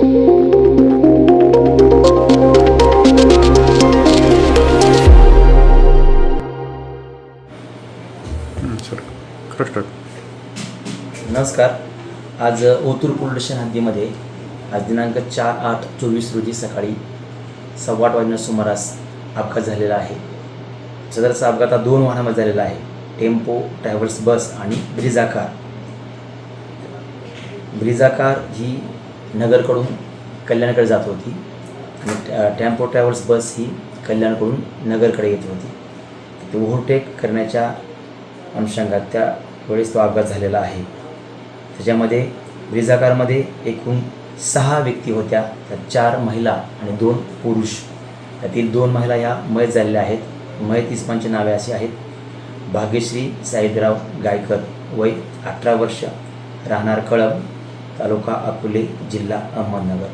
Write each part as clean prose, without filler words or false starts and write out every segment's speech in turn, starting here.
नमस्कार. आज Otur police station हद्दीमध्ये आज दिनांक 4/8/24 रोजी सकाळी 8:15 वाजण्याच्या सुमारास अपघात झालेला आहे. सदरचा अपघात हा 2 वाहनांमध्ये झालेला आहे. टेम्पो ट्रॅव्हल्स बस आणि ब्रिझा कार. ब्रिझा कार ही नगरकडून कल्याणकडे जात होती आणि टेम्पो ट्रॅव्हल्स बस ही कल्याणकडून नगरकडे येत होती. ते ओव्हरटेक करण्याच्या अनुषंगात त्यावेळेस तो अपघात झालेला आहे. त्याच्यामध्ये ब्रिझा कारमध्ये एकूण 6 व्यक्ती होत्या. त्या 4 महिला आणि 2 पुरुष. त्यातील 2 महिला ह्या मयत झालेल्या आहेत. मयत इस्मांची नावे अशी आहेत: भाग्यश्री साईदराव गायकर, वय 18 वर्ष, राहणार कळंब, तालुका अकोले, जिल्हा अहमदनगर.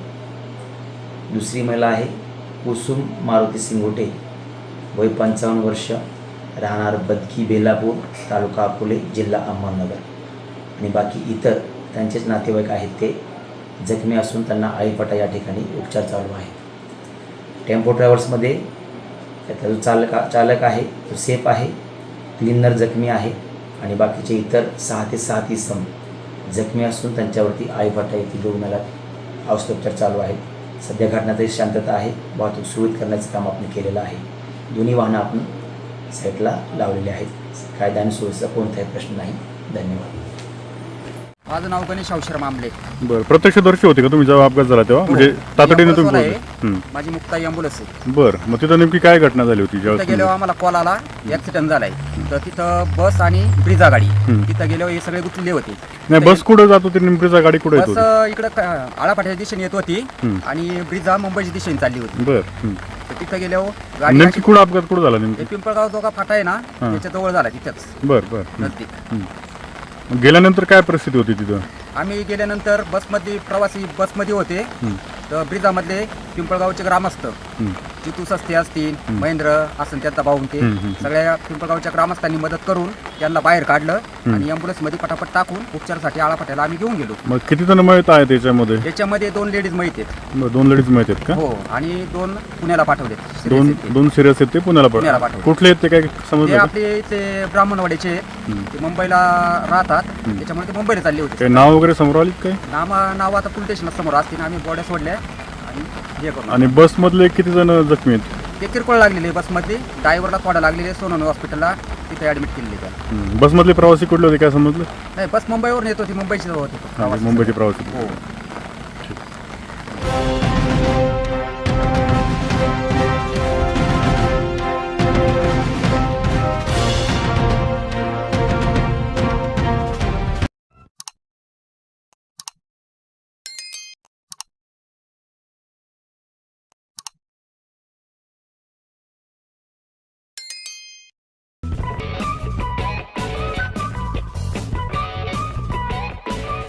दुसरी महिला आहे कुसुम मारुती सिंगोटे, वय 55 वर्ष, राहणार बदकी बेलापूर, तालुका अकोले, जिल्हा अहमदनगर. आणि बाकी इतर त्यांचेच नातेवाईक आहेत. ते जखमी असून त्यांना आळीपाटा या ठिकाणी उपचार चालू आहे. टेम्पो ट्रॅव्हल्समध्ये त्याचा जो चालक आहे तो सेफ आहे. क्लीनर जखमी आहे आणि बाकीचे इतर 6 ते 7 इसम जखमी असून त्यांच्यावरती आळीपाटा येथील रुग्णालयात औषधोपचार चालू आहेत. सध्या घटनाची शांतता आहे. वाहतूक सुरळीत करण्याचं काम आपण केलेलं आहे. दोन्ही वाहनं आपण साईडला लावलेले आहेत. कायदा आणि सुव्यवस्थेचा कोणताही प्रश्न नाही. धन्यवाद. माझं नाव गणेश औशर मामले. बरं, प्रत्यक्षदर्शी होते का तुम्ही जेव्हा अपघात झाला तेव्हा? म्हणजे तातडीने तुम्ही पोहोचले? माझी मुक्ताई ॲम्ब्युलन्स आहे. बरं, मग तिथं नेमकी काय घटना झाली होती तिथं गेल्यावर आम्हाला कॉल आला ॲक्सिडेंट झालाय. तर तिथं बस आणि ब्रिझा गाडी तिथं गेल्यावर हे सगळे गुंतलेले होते. नाही, बस कुठं जात होती? ब्रिझा गाडी कुठे येत बस होती? इकडं आळापाट्याच्या दिशेने येत होती आणि ब्रिझा मुंबईच्या दिशेने चालली होती. बरं, तर तिथं गेल्यावर गाडी नेमकी कुठं अपघात कुठं झाला नेमकी? पिंपळगाव जो का फाटा आहे ना त्याच्या जवळ झाला तिथंच बरं बरं. नजदीक. गेल्यानंतर काय परिस्थिती होती तिथं? आम्ही गेल्यानंतर बसमध्ये प्रवासी बसमध्ये होते. तर ब्रिझामधले पिंपळगावचे ग्रामस्थ जितू सस्ते असतील, महेंद्र असं त्यांचा भाऊ, ते सगळ्या पिंपळगावच्या ग्रामस्थांनी मदत करून त्यांना बाहेर काढलं आणि ॲम्ब्युलन्समध्ये पटापट टाकून उपचारासाठी आळापाट्याला आम्ही घेऊन गेलो. मग किती जण मयत आहेत त्याच्यामध्ये? त्याच्यामध्ये 2 लेडीज माहित आहेत. 2 लेडीज माहित आहेत का? हो, आणि 2 पुण्याला पाठवले. 2 सिरियस आहेत ते पुण्याला पाठवले. कुठले आहेत ते काय ते समजलं? आपले इथे ब्राह्मणवाड्याचे, ते मुंबईला राहतात. त्याच्यामुळे ते मुंबईला चालले होते. नाव वगैरे समोर आली काय? नाव आता पोलीस स्टेशनला समोर असतील. आम्ही बॉड्या सोडल्या आणि हे करून. आणि बसमधले किती जण जखमी आहेत? ते किरकोळ लागलेले बसमध्ये. ड्रायव्हरला थोडा लागलेले. सोनवणे हॉस्पिटलला तिथे ॲडमिट केलेले त्या. बसमधले प्रवासी कुठले होते काय समजलं? नाही, बस मुंबईवरून येत होती. मुंबईची होती. मुंबईचे प्रवासी. हो.